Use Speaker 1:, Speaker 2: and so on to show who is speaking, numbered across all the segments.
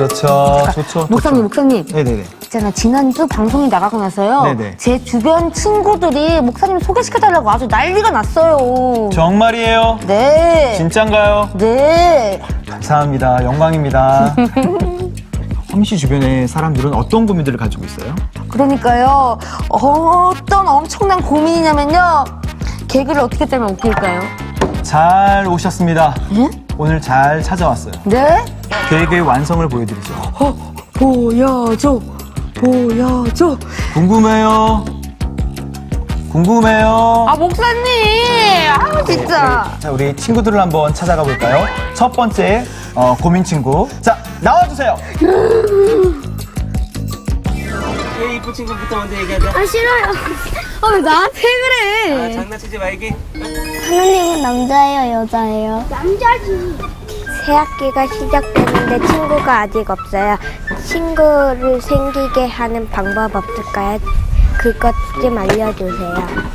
Speaker 1: 그렇죠. 좋죠.
Speaker 2: 목사님.
Speaker 1: 네네네.
Speaker 2: 있잖아, 지난주 방송이 나가고 나서요.
Speaker 1: 네네.
Speaker 2: 제 주변 친구들이 목사님 소개시켜달라고 아주 난리가 났어요.
Speaker 1: 정말이에요?
Speaker 2: 네.
Speaker 1: 진짠가요?
Speaker 2: 네.
Speaker 1: 감사합니다. 영광입니다. 험미 씨 주변의 사람들은 어떤 고민들을 가지고 있어요?
Speaker 2: 그러니까요. 어떤 엄청난 고민이냐면요. 개그를 어떻게 짜면 웃길까요?
Speaker 1: 잘 오셨습니다.
Speaker 2: 예?
Speaker 1: 오늘 잘 찾아왔어요.
Speaker 2: 네?
Speaker 1: 계획의 완성을 보여드리죠.
Speaker 2: 보여줘.
Speaker 1: 궁금해요.
Speaker 2: 아, 목사님. 아, 진짜.
Speaker 1: 자, 우리 친구들을 한번 찾아가 볼까요? 첫 번째 고민 친구. 자, 나와주세요.
Speaker 3: 왜 이쁜 친구부터 먼저 얘기하자.
Speaker 4: 아 싫어요. 아 왜 나한테 그래?
Speaker 3: 장난치지 말기.
Speaker 4: 하나님은 남자예요, 여자예요? 남자지. 새 학기가 시작되는데 친구가 아직 없어요. 친구를 생기게 하는 방법 없을까요? 그것 좀 알려주세요.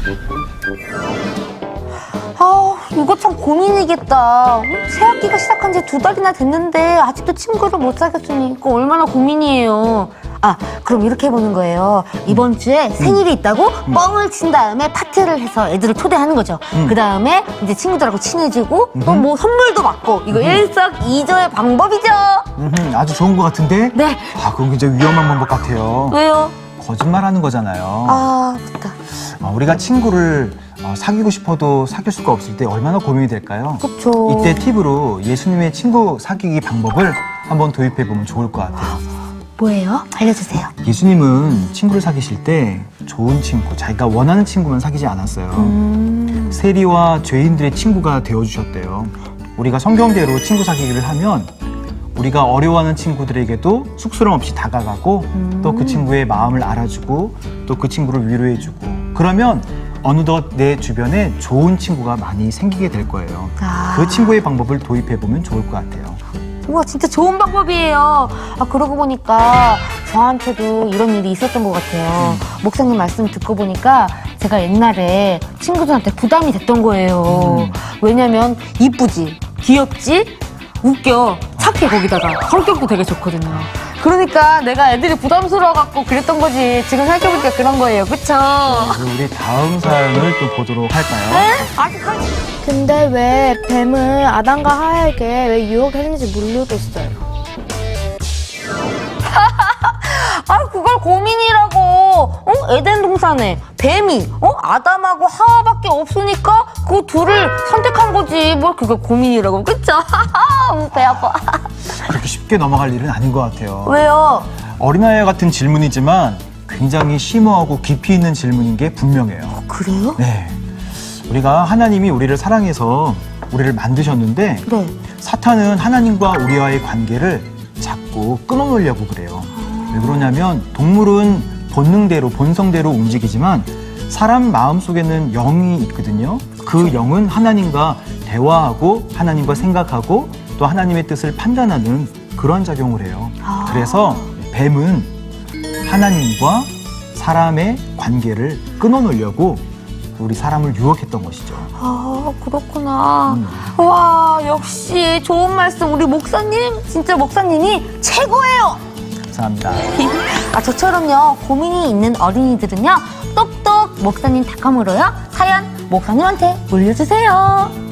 Speaker 2: 아, 이거 참 고민이겠다. 새 학기가 시작한 지 2달이나 됐는데 아직도 친구를 못 사귀었으니 이거 얼마나 고민이에요. 아, 그럼 이렇게 해보는 거예요. 이번 주에 생일이 있다고 뻥을 친 다음에 파티를 해서 애들을 초대하는 거죠. 그 다음에 이제 친구들하고 친해지고 또 뭐 선물도 받고 이거 일석이조의 방법이죠.
Speaker 1: 아주 좋은 것 같은데?
Speaker 2: 네.
Speaker 1: 아, 그건 굉장히 위험한 방법 같아요.
Speaker 2: 왜요?
Speaker 1: 거짓말하는 거잖아요.
Speaker 2: 아, 됐다.
Speaker 1: 우리가 친구를 사귀고 싶어도 사귈 수가 없을 때 얼마나 고민이 될까요?
Speaker 2: 그쵸.
Speaker 1: 이때 팁으로 예수님의 친구 사귀기 방법을 한번 도입해보면 좋을 것 같아요.
Speaker 2: 뭐예요? 알려주세요.
Speaker 1: 예수님은 친구를 사귀실 때 좋은 친구, 자기가 원하는 친구만 사귀지 않았어요. 세리와 죄인들의 친구가 되어주셨대요. 우리가 성경대로 친구 사귀기를 하면 우리가 어려워하는 친구들에게도 쑥스럼 없이 다가가고 또 그 친구의 마음을 알아주고 또 그 친구를 위로해주고 그러면 어느덧 내 주변에 좋은 친구가 많이 생기게 될 거예요. 그 친구의 방법을 도입해보면 좋을 것 같아요.
Speaker 2: 우와, 진짜 좋은 방법이에요. 아, 그러고 보니까 저한테도 이런 일이 있었던 것 같아요. 목사님 말씀 듣고 보니까 제가 옛날에 친구들한테 부담이 됐던 거예요. 왜냐면 이쁘지, 귀엽지, 웃겨, 착해, 거기다가 성격도 되게 좋거든요. 그러니까 내가 애들이 부담스러워갖고 그랬던 거지. 지금 생각해보니까 그런 거예요. 그쵸?
Speaker 1: 그럼 우리 다음 사연을 또 보도록 할까요?
Speaker 2: 네? 아직
Speaker 4: 근데 왜 뱀을 아담과 하에게 왜 유혹했는지 모르겠어요.
Speaker 2: 아, 그걸 고민이라고. 에덴 동산에 뱀이 아담하고 하와밖에 없으니까 그 둘을 선택한 거지. 뭘 그걸 고민이라고. 그쵸? 배 아파.
Speaker 1: 그렇게 쉽게 넘어갈 일은 아닌 것 같아요.
Speaker 2: 왜요?
Speaker 1: 어린아이 같은 질문이지만 굉장히 심오하고 깊이 있는 질문인 게 분명해요.
Speaker 2: 그래요?
Speaker 1: 네. 우리가 하나님이 우리를 사랑해서 우리를 만드셨는데
Speaker 2: 네.
Speaker 1: 사탄은 하나님과 우리와의 관계를 자꾸 끊어놓으려고 그래요. 왜 그러냐면 동물은 본능대로 본성대로 움직이지만 사람 마음속에는 영이 있거든요. 그 영은 하나님과 대화하고 하나님과 생각하고 또 하나님의 뜻을 판단하는 그런 작용을 해요. 그래서 뱀은 하나님과 사람의 관계를 끊어놓으려고 우리 사람을 유혹했던 것이죠.
Speaker 2: 아, 그렇구나. 와, 역시 좋은 말씀. 우리 목사님, 진짜 목사님이 최고예요.
Speaker 1: 감사합니다.
Speaker 2: 아, 저처럼요, 고민이 있는 어린이들은요, 똑똑 목사님 닷컴으로요, 사연 목사님한테 올려주세요.